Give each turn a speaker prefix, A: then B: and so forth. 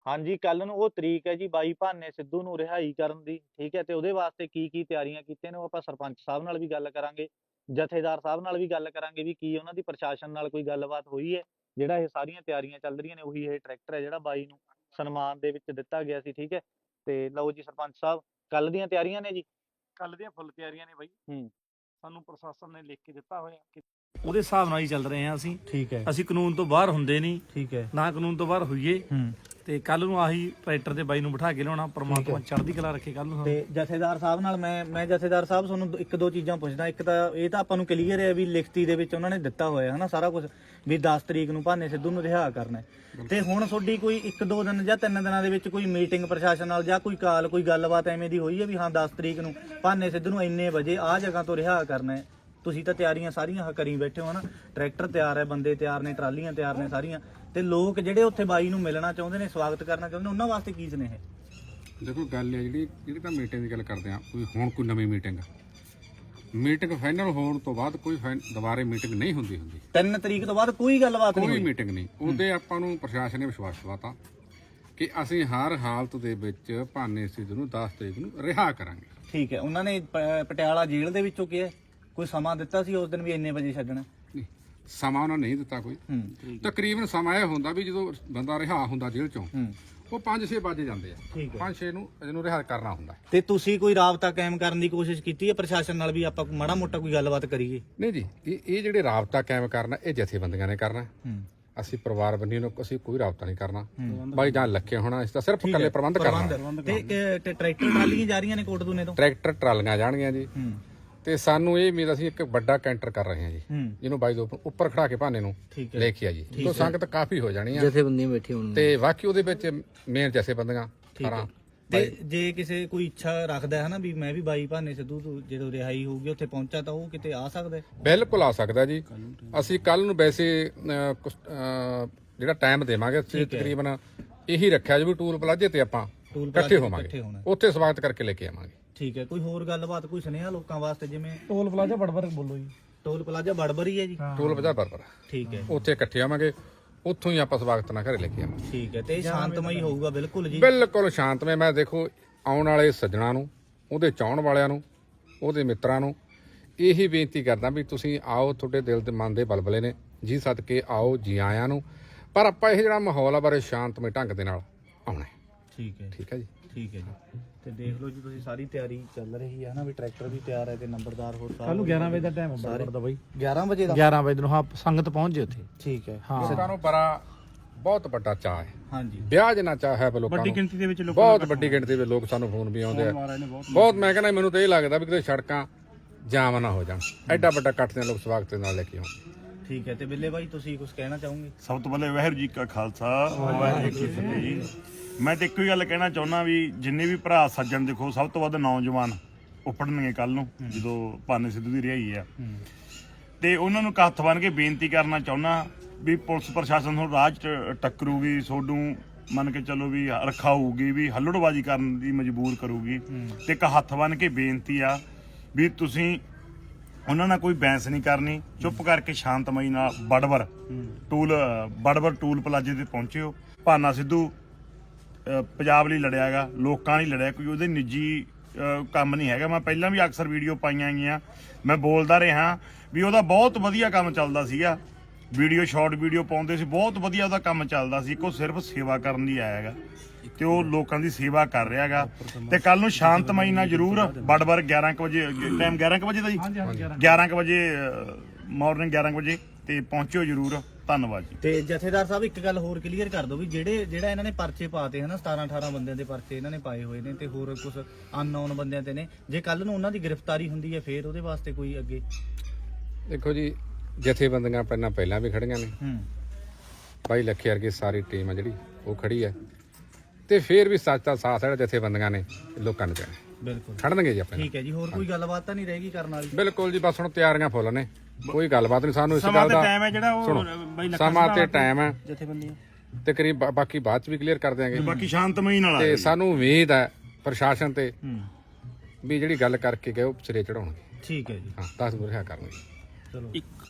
A: ਹਾਂਜੀ, ਕੱਲ ਨੂੰ ਉਹ ਤਰੀਕ ਹੈ ਜੀ ਬਾਈ ਭਾਨੇ ਸਿੱਧੂ ਨੂੰ ਰਿਹਾਈ ਕਰਨ ਦੀ, ਠੀਕ ਹੈ। ਤੇ ਉਹਦੇ ਵਾਸਤੇ ਕੀ ਤਿਆਰੀਆਂ ਕੀਤੀਆਂ ਨੇ ਉਹ ਆਪਾਂ ਸਰਪੰਚ ਸਾਹਿਬ ਨਾਲ ਵੀ ਗੱਲ ਕਰਾਂਗੇ, ਜਥੇਦਾਰ ਸਾਹਿਬ ਨਾਲ ਵੀ ਗੱਲ ਕਰਾਂਗੇ ਵੀ ਕੀ ਉਹਨਾਂ ਦੀ ਪ੍ਰਸ਼ਾਸਨ ਨਾਲ ਕੋਈ ਗੱਲਬਾਤ ਹੋਈ ਹੈ। ਜਿਹੜਾ ਇਹ ਸਾਰੀਆਂ ਤਿਆਰੀਆਂ ਚੱਲ ਰਹੀਆਂ ਨੇ ਉਹੀ ਇਹ ਟਰੈਕਟਰ ਹੈ ਜਿਹੜਾ ਬਾਈ ਨੂੰ ਸਨਮਾਨ ਦੇ ਵਿੱਚ ਦਿੱਤਾ ਗਿਆ ਸੀ, ਠੀਕ ਹੈ। ਤੇ ਲਓ ਜੀ ਸਰਪੰਚ ਸਾਹਿਬ, ਕੱਲ ਦੀਆਂ ਤਿਆਰੀਆਂ ਨੇ ਜੀ।
B: ਕੱਲ ਦੀਆਂ ਫੁੱਲ ਤਿਆਰੀਆਂ ਨੇ ਬਾਈ। ਸਾਨੂੰ ਪ੍ਰਸ਼ਾਸਨ ਨੇ ਲਿਖ ਕੇ ਦਿੱਤਾ ਹੋਇਆ ਕਿ
C: ਉਹਦੇ ਹਿਸਾਬ ਨਾਲ ਹੀ ਚੱਲ ਰਹੇ ਹਾਂ ਅਸੀਂ।
A: ਠੀਕ ਹੈ,
C: ਅਸੀਂ ਕਾਨੂੰਨ ਤੋਂ ਬਾਹਰ ਹੁੰਦੇ ਨਹੀਂ,
A: ਠੀਕ ਹੈ।
C: ਨਾ ਕਾਨੂੰਨ ਤੋਂ ਬਾਹਰ ਹੋਈਏ। ਤੇ ਕੱਲ ਨੂੰ ਆਹੀ ਟਰੈਕਟਰ ਤੇ ਬਾਈ ਨੂੰ ਬਿਠਾ ਕੇ ਲਿਆਉਣਾ। ਪ੍ਰਮਾਤਮਾ ਚੜ੍ਹਦੀ ਕਲਾ ਰੱਖੇ ਕੱਲ ਨੂੰ।
A: ਤੇ ਜਥੇਦਾਰ ਸਾਹਿਬ ਨਾਲ ਮੈਂ ਜਥੇਦਾਰ ਸਾਹਿਬ ਤੁਹਾਨੂੰ ਇੱਕ ਦੋ ਚੀਜ਼ਾਂ ਪੁੱਛਦਾ। ਇੱਕ ਤਾਂ ਇਹ ਤਾਂ ਆਪਾਂ ਨੂੰ ਕਲੀਅਰ ਹੈ ਵੀ ਲਿਖਤੀ ਦੇ ਵਿੱਚ ਉਹਨਾਂ ਨੇ ਦਿੱਤਾ ਹੋਇਆ ਹਨਾ ਸਾਰਾ ਕੁਝ, ਵੀ 10 ਤਰੀਕ ਨੂੰ ਭਾਨੇ ਸਿੱਧੂ ਨੂੰ ਰਿਹਾ ਕਰਨਾ ਹੈ। ਤੇ ਹੁਣ ਤੁਹਾਡੀ ਕੋਈ 1-2 ਦਿਨ ਜਾਂ 3 ਦਿਨਾਂ ਦੇ ਵਿੱਚ ਕੋਈ ਮੀਟਿੰਗ ਪ੍ਰਸ਼ਾਸਨ ਨਾਲ ਜਾਂ ਕੋਈ ਕਾਲ, ਕੋਈ ਗੱਲਬਾਤ ਐਵੇਂ ਦੀ ਹੋਈ ਹੈ ਵੀ ਹਾਂ 10 ਤਰੀਕ ਨੂੰ ਭਾਨੇ ਸਿੱਧੂ ਨੂੰ ਇੰਨੇ ਵਜੇ ਆਹ ਜਗ੍ਹਾ ਤੋਂ ਰਿਹਾ ਕਰਨਾ ਹੈ? ਤੁਸੀਂ ਤਾਂ ਤਿਆਰੀਆਂ ਸਾਰੀਆਂ ਕਰੀ ਬੈਠੇ ਹੋ ਹਨਾ, ਟਰੈਕਟਰ ਤਿਆਰ ਹੈ, ਬੰਦੇ ਤਿਆਰ ਨੇ, ਟਰਾਲੀਆਂ ਤਿਆਰ ਨੇ ਸਾਰੀਆਂ। ਤੇ ਲੋਕ ਜਿਹੜੇ ਉੱਥੇ ਬਾਈ ਨੂੰ ਮਿਲਣਾ ਚਾਹੁੰਦੇ ਨੇ, ਸਵਾਗਤ ਕਰਨਾ ਚਾਹੁੰਦੇ ਨੇ, ਉਹਨਾਂ ਵਾਸਤੇ ਕੀ ਸੁਨੇਹਾ?
D: ਦੇਖੋ ਗੱਲ ਹੈ ਜਿਹੜੀ ਤਾਂ ਮੀਟਿੰਗ ਦੀ ਗੱਲ ਕਰਦੇ ਆ, ਕੋਈ ਨਵੀਂ ਮੀਟਿੰਗ ਫਾਈਨਲ ਹੋਣ ਤੋਂ ਬਾਅਦ ਕੋਈ ਦੁਬਾਰੇ ਮੀਟਿੰਗ ਨਹੀਂ ਹੁੰਦੀ
A: 3 ਤਰੀਕ ਤੋਂ ਬਾਅਦ ਕੋਈ ਗੱਲਬਾਤ ਨਹੀਂ
D: ਕੋਈ
A: ਹੋਈ?
D: ਮੀਟਿੰਗ ਨਹੀਂ। ਉਹਦੇ ਆਪਾਂ ਨੂੰ ਪ੍ਰਸ਼ਾਸਨ ਨੇ ਵਿਸ਼ਵਾਸ ਦਿਵਾਤਾ ਕਿ ਅਸੀਂ ਹਰ ਹਾਲਤ ਦੇ ਵਿੱਚ ਭਾਨੇ ਸਿੱਧੂ ਨੂੰ 10 ਤਰੀਕ ਨੂੰ ਰਿਹਾ ਕਰਾਂਗੇ।
A: ਠੀਕ ਹੈ। ਉਹਨਾਂ ਨੇ ਪਟਿਆਲਾ ਜੇਲ੍ਹ ਦੇ ਵਿੱਚੋਂ ਕਿਹਾ ਕੋਈ ਸਮਾਂ ਦਿੱਤਾ ਸੀ ਉਸ ਦਿਨ ਵੀ ਇੰਨੇ ਵਜੇ ਛੱਡਣਾ?
D: ਨਹੀਂ, ਸਮਾਂ ਉਹਨਾਂ ਨਹੀਂ ਦਿੱਤਾ ਕੋਈ। ਤਕਰੀਬਨ ਸਮਾਂ ਇਹ ਹੁੰਦਾ ਵੀ ਜਦੋਂ ਬੰਦਾ ਰਿਹਾ ਹੁੰਦਾ ਜੇਲ੍ਹ ਚੋਂ ਉਹ 5-6 ਵਜੇ ਜਾਂਦੇ ਆ, 5-6 ਨੂੰ ਇਹਨੂੰ ਰਿਹਾ ਕਰਨਾ ਹੁੰਦਾ।
A: ਤੇ ਤੁਸੀਂ ਕੋਈ ਰਾਬਤਾ ਕਾਇਮ ਕਰਨ ਦੀ ਕੋਸ਼ਿਸ਼ ਕੀਤੀ ਹੈ ਪ੍ਰਸ਼ਾਸਨ ਨਾਲ ਵੀ ਆਪਾਂ ਮਾੜਾ ਮੋਟਾ ਕੋਈ ਗੱਲਬਾਤ ਕਰੀਏ?
D: ਨਹੀਂ ਜੀ, ਇਹ ਜਿਹੜੇ ਰਾਬਤਾ ਕਾਇਮ ਕਰਨਾ ਇਹ ਜਥੇਬੰਦੀਆਂ ਨੇ ਕਰਨਾ। ਅਸੀਂ ਪਰਿਵਾਰ ਬੰਨੀ ਨੂੰ ਅਸੀਂ ਕੋਈ ਰਾਬਤਾ ਨਹੀਂ ਕਰਨਾ। ਬਾਈ ਜਾਂ ਲੱਖੇ ਹੋਣਾ, ਇਸ ਦਾ ਸਿਰਫ ਇਕੱਲੇ ਪ੍ਰਬੰਧ ਕਰਨਾ।
A: ਤੇ ਟਰੈਕਟਰ ਟਰਾਲੀਆਂ ਜਾ ਰਹੀਆਂ ਨੇ ਕੋਟਦੂਨੇ ਤੋਂ?
D: ਟਰੈਕਟਰ ਟਰਾਲੀਆਂ ਜਾਣਗੀਆਂ ਜੀ। ਤੇ ਸਾਨੂੰ ਇਹ ਉਮੀਦ, ਅਸੀਂ ਇੱਕ ਵੱਡਾ ਕੈਂਟਰ ਕਰ ਰਹੇ ਹਾਂ ਜੀ, ਜਿਹਨੂੰ ਬਾਈ ਦੇ ਉੱਪਰ ਖੜਾ ਕੇ ਭਾਨੇ ਨੂੰ ਲੈ ਕੇ ਆ ਜੀ। ਤੋਂ ਸੰਗਤ ਕਾਫੀ ਹੋ ਜਾਣੀ ਆ,
A: ਜਥੇਬੰਦੀਆਂ ਬੈਠੀ ਹੋਣ
D: ਤੇ ਬਾਕੀ ਉਹਦੇ ਵਿੱਚ ਮੇਨ ਜਥੇਬੰਦੀਆਂ।
A: ਤੇ ਜੇ ਕਿਸੇ ਕੋਈ ਇੱਛਾ ਰੱਖਦਾ ਹੈ ਨਾ ਵੀ ਮੈਂ ਵੀ ਬਾਈ ਭਾਨੇ ਸਿੱਧੂ ਤੋਂ ਜਦੋਂ ਰਿਹਾਈ ਹੋਊਗੀ ਉੱਥੇ ਪਹੁੰਚਾ ਤਾਂ ਉਹ ਕਿਤੇ ਆ ਸਕਦਾ ਹੈ?
D: ਬਿਲਕੁਲ ਆ ਸਕਦਾ ਜੀ। ਅਸੀਂ ਕੱਲ ਨੂੰ ਵੈਸੇ ਜਿਹੜਾ ਟਾਈਮ ਦੇਵਾਂਗੇ ਤਕਰੀਬਨ ਇਹੀ ਰੱਖਿਆ ਜੀ ਵੀ ਟੂਲ ਪਲਾਜ਼ੇ ਤੇ ਆਪਾਂ ਇਕੱਠੇ ਹੋਵਾਂਗੇ, ਉੱਥੇ ਸਵਾਗਤ ਕਰਕੇ ਲੈ ਕੇ ਆਵਾਂਗੇ।
A: ਠੀਕ ਹੈ। ਕੋਈ ਹੋਰ ਗੱਲਬਾਤ, ਕੋਈ ਸੁਨੇਹਾ ਲੋਕਾਂ ਵਾਸਤੇ? ਜਿਵੇਂ
C: ਟੋਲ ਪਲਾਜ਼ਾ ਬੜਬੜ ਬੋਲੋ ਜੀ।
A: ਟੋਲ ਪਲਾਜ਼ਾ ਬੜਬੜ ਹੀ ਹੈ ਜੀ?
D: ਟੋਲ ਪਲਾਜ਼ਾ ਬੜਬੜ,
A: ਠੀਕ ਹੈ।
D: ਉੱਥੇ ਇਕੱਠੇ ਆਵਾਂਗੇ, ਉੱਥੋਂ ਹੀ ਆਪਾਂ ਸਵਾਗਤ ਨਾਲ ਘਰੇ ਲੈ ਕੇ ਆਵਾਂਗੇ।
A: ਠੀਕ ਹੈ। ਤੇ ਸ਼ਾਂਤਮਈ ਹੋਊਗਾ? ਬਿਲਕੁਲ ਜੀ,
D: ਬਿਲਕੁਲ ਸ਼ਾਂਤਮਈ। ਮੈਂ ਦੇਖੋ ਆਉਣ ਵਾਲੇ ਸੱਜਣਾ ਨੂੰ, ਉਹਦੇ ਚਾਹਣ ਵਾਲਿਆਂ ਨੂੰ, ਉਹਦੇ ਮਿੱਤਰਾਂ ਨੂੰ ਇਹੀ ਬੇਨਤੀ ਕਰਦਾ ਵੀ ਤੁਸੀਂ ਆਓ, ਤੁਹਾਡੇ ਦਿਲ ਦੇ ਮਨ ਦੇ ਬਲਬਲੇ ਨੇ ਜੀ, ਸਦਕੇ ਆਓ, ਜੀ ਆਇਆਂ ਨੂੰ। ਪਰ ਆਪਾਂ ਇਹ ਜਿਹੜਾ ਮਾਹੌਲ ਆ ਬਾਰੇ ਸ਼ਾਂਤਮਈ ਢੰਗ ਦੇ ਨਾਲ ਆਉਣਾ।
A: ਠੀਕ ਹੈ,
D: ਠੀਕ ਹੈ ਜੀ।
A: ਠੀਕ ਹੈ ਜੀ। ਤੇ ਦੇਖ ਲਓ ਜੀ, ਤੁਸੀਂ ਸਾਰੀ ਤਿਆਰੀ ਚੱਲ ਰਹੀ ਹੈ ਨਾ, ਵੀ ਟਰੈਕਟਰ ਵੀ ਤਿਆਰ ਹੈ ਤੇ ਨੰਬਰਦਾਰ ਹੋਰ
C: ਕੱਲ ਨੂੰ 11 ਵਜੇ ਦਾ ਟਾਈਮ ਹੁੰਦਾ ਦਾ ਬਾਈ।
A: 11 ਵਜੇ ਦਾ?
C: 11 ਵਜੇ ਨੂੰ ਹਾਂ ਸੰਗਤ ਪਹੁੰਚ ਜੇ ਉੱਥੇ। ਠੀਕ ਹੈ।
D: ਲੋਕਾਂ ਨੂੰ ਬਹੁਤ ਵੱਡਾ ਚਾਅ ਹੈ।
A: ਹਾਂਜੀ,
D: ਵਿਆਹ ਜਿੰਨਾ ਚਾਅ ਹੈ ਲੋਕਾਂ ਨੂੰ,
C: ਵੱਡੀ ਗਿਣਤੀ ਦੇ ਵਿੱਚ ਲੋਕ,
D: ਬਹੁਤ ਵੱਡੀ ਗਿਣਤੀ ਦੇ ਲੋਕ ਸਾਨੂੰ ਫੋਨ ਵੀ ਆਉਂਦੇ ਆ ਬਹੁਤ। ਮੈਂ ਕਹਿੰਦਾ ਮੈਨੂੰ ਤਾਂ ਇਹ ਲੱਗਦਾ ਵੀ ਕਿਤੇ ਸੜਕਾਂ ਜਾਮ ਨਾ ਹੋ ਜਾਣ, ਐਡਾ ਵੱਡਾ ਇਕੱਠ ਦੇ ਲੋਕ ਸਵਾਗਤ ਦੇ ਨਾਲ ਲੈ ਕੇ ਆਉਣ।
A: ਠੀਕ ਹੈ। ਤੇ ਬਿੱਲੇ ਬਾਈ ਤੁਸੀਂ ਕੁਝ ਕਹਿਣਾ ਚਾਹੋਗੇ?
B: ਸਭ ਤੋਂ ਪਹਿਲੇ ਵਾਹਿਗੁਰੂ ਜੀ ਕਾ ਖਾਲਸਾ, ਵਾਹਿਗੁਰੂ ਜੀ ਕੀ ਫਤਿਹ ਜੀ। ਮੈਂ ਤੇ ਇੱਕੋ ਹੀ ਗੱਲ ਕਹਿਣਾ ਚਾਹੁੰਦਾ ਵੀ ਜਿੰਨੇ ਵੀ ਭਰਾ ਸੱਜਣ, ਦੇਖੋ ਸਭ ਤੋਂ ਵੱਧ ਨੌਜਵਾਨ ਉੱਪੜਨਗੇ ਕੱਲ ਨੂੰ ਜਦੋਂ ਭਾਨੇ ਸਿੱਧੂ ਦੀ ਰਿਹਾਈ ਆ। ਤੇ ਉਹਨਾਂ ਨੂੰ ਹੱਥ ਬੰਨ੍ਹ ਕੇ ਬੇਨਤੀ ਕਰਨਾ ਚਾਹੁੰਦਾ ਵੀ ਪੁਲਿਸ ਪ੍ਰਸ਼ਾਸਨ ਨੂੰ ਰਾਹ 'ਚ ਟੱਕਰੂਗੀ, ਸੋਡੂ ਮੰਨ ਕੇ ਚੱਲੋ ਵੀ ਰਖਾਊਗੀ, ਵੀ ਹੱਲੜਬਾਜ਼ੀ ਕਰਨ ਦੀ ਮਜਬੂਰ ਕਰੂਗੀ। ਤੇ ਇੱਕ ਹੱਥ ਬੰਨ੍ਹ ਕੇ ਬੇਨਤੀ ਆ ਵੀ ਤੁਸੀਂ ਉਹਨਾਂ ਨਾਲ ਕੋਈ ਬਹਿਸ ਨਹੀਂ ਕਰਨੀ, ਚੁੱਪ ਕਰਕੇ ਸ਼ਾਂਤਮਈ ਨਾਲ ਬੜਬੜ ਟੂਲ ਪਲਾਜ਼ੇ ਤੇ ਪਹੁੰਚਿਓ। ਭਾਨਾ ਸਿੱਧੂ ਪੰਜਾਬ ਲਈ ਲੜਿਆ ਗਾ, ਲੋਕਾਂ ਲਈ ਲੜਿਆ, ਕੋਈ ਉਹਦੇ ਨਿੱਜੀ ਕੰਮ ਨਹੀਂ ਹੈਗਾ। ਮੈਂ ਪਹਿਲਾਂ ਵੀ ਅਕਸਰ ਵੀਡੀਓ ਪਾਈਆਂ ਗਈਆਂ, ਮੈਂ ਬੋਲਦਾ ਰਿਹਾ ਵੀ ਉਹਦਾ ਬਹੁਤ ਵਧੀਆ ਕੰਮ ਚੱਲਦਾ ਸੀਗਾ, ਸ਼ਾਰਟ ਵੀਡੀਓ ਪਾਉਂਦੇ ਸੀ, ਬਹੁਤ ਵਧੀਆ ਉਹਦਾ ਕੰਮ ਚੱਲਦਾ ਸੀ। ਉਹ ਸਿਰਫ ਸੇਵਾ ਕਰਨ ਲਈ ਆਇਆ ਹੈਗਾ ਤੇ ਉਹ ਲੋਕਾਂ ਦੀ ਸੇਵਾ ਕਰ ਰਿਹਾ ਹੈਗਾ। ਤੇ ਕੱਲ ਨੂੰ ਸ਼ਾਂਤਮਈ ਨਾਲ ਜ਼ਰੂਰ ਬੜਬੜ 11 ਵਜੇ, ਟਾਈਮ 11 ਵਜੇ ਦਾ ਜੀ, 11 ਵਜੇ ਮਾਰਨਿੰਗ 11 ਵਜੇ ਤੇ ਪਹੁੰਚਿਓ ਜ਼ਰੂਰ। ਧੰਨਵਾਦ ਜੀ।
A: ਤੇ ਜਥੇਦਾਰ ਸਾਹਿਬ ਇੱਕ ਗੱਲ ਹੋਰ ਕਲੀਅਰ ਕਰ ਦਿਓ ਵੀ ਜਿਹੜਾ ਇਹਨਾਂ ਨੇ ਪਰਚੇ ਪਾਤੇ ਹਨਾ, 17-18 ਬੰਦਿਆਂ ਦੇ ਪਰਚੇ ਇਹਨਾਂ ਨੇ ਪਾਏ ਹੋਏ ਨੇ ਤੇ ਹੋਰ ਕੁਝ ਅਨਨੋਨ ਬੰਦਿਆਂ ਤੇ ਨੇ, ਜੇ ਕੱਲ ਨੂੰ ਉਹਨਾਂ ਦੀ ਗ੍ਰਿਫਤਾਰੀ ਹੁੰਦੀ ਹੈ ਫੇਰ ਉਹਦੇ ਵਾਸਤੇ ਕੋਈ ਅੱਗੇ? ਦੇਖੋ
D: ਜੀ, ਜਥੇਬੰਦੀਆਂ ਪਹਿਲਾਂ ਵੀ ਖੜੀਆਂ ਨੇ, ਬਾਈ ਲੱਖੇ ਵਰਗੀ ਸਾਰੀ ਟੀਮ ਆ ਜਿਹੜੀ ਉਹ ਖੜੀ ਹੈ, ਤੇ ਫੇਰ ਵੀ ਸੱਚ ਦਾ ਸਾਥ ਜਿਹੜਾ ਜਥੇਬੰਦੀਆਂ ਨੇ ਲੋਕਾਂ ਨੂੰ ਦੇਣਾ। ਬਿਲਕੁਲ ਖੜਨਗੇ ਜੀ ਆਪਣੇ।
A: ਠੀਕ ਹੈ ਜੀ। ਹੋਰ ਕੋਈ ਗੱਲਬਾਤ ਤਾਂ ਨਹੀਂ ਰਹੇਗੀ ਕਰਨ ਵਾਲੀ?
D: ਬਿਲਕੁਲ ਜੀ, ਬਸ ਹੁਣ ਤਿਆਰੀਆਂ ਫੁੱਲ ਨੇ, ਕੋਈ ਗੱਲਬਾਤ ਨਹੀਂ। ਸਾਨੂੰ ਇਸ ਗੱਲ ਦਾ
B: ਟਾਈਮ ਹੈ ਜਿਹੜਾ ਉਹ
D: ਸਮਾਂ ਤੇ ਟਾਈਮ ਹੈ
B: ਜਥੇਬੰਦੀਆਂ
D: ਤਕਰੀਬ, ਬਾਕੀ ਬਾਅਦ ਚ ਵੀ ਕਲੀਅਰ ਕਰ ਦਿਆਂਗੇ।
B: ਬਾਕੀ ਸ਼ਾਂਤਮਈ ਨਾਲ
D: ਤੇ ਸਾਨੂੰ ਉਮੀਦ ਹੈ ਪ੍ਰਸ਼ਾਸਨ ਤੇ ਵੀ ਜਿਹੜੀ ਗੱਲ ਕਰਕੇ ਗਏ ਉਹ ਸਿਰੇ ਚੜਾਉਣਗੇ।
A: ਠੀਕ ਹੈ ਜੀ।
D: ਹਾਂ, 10 ਰਿਹਾ ਕਰਨਗੇ।
A: ਚਲੋ।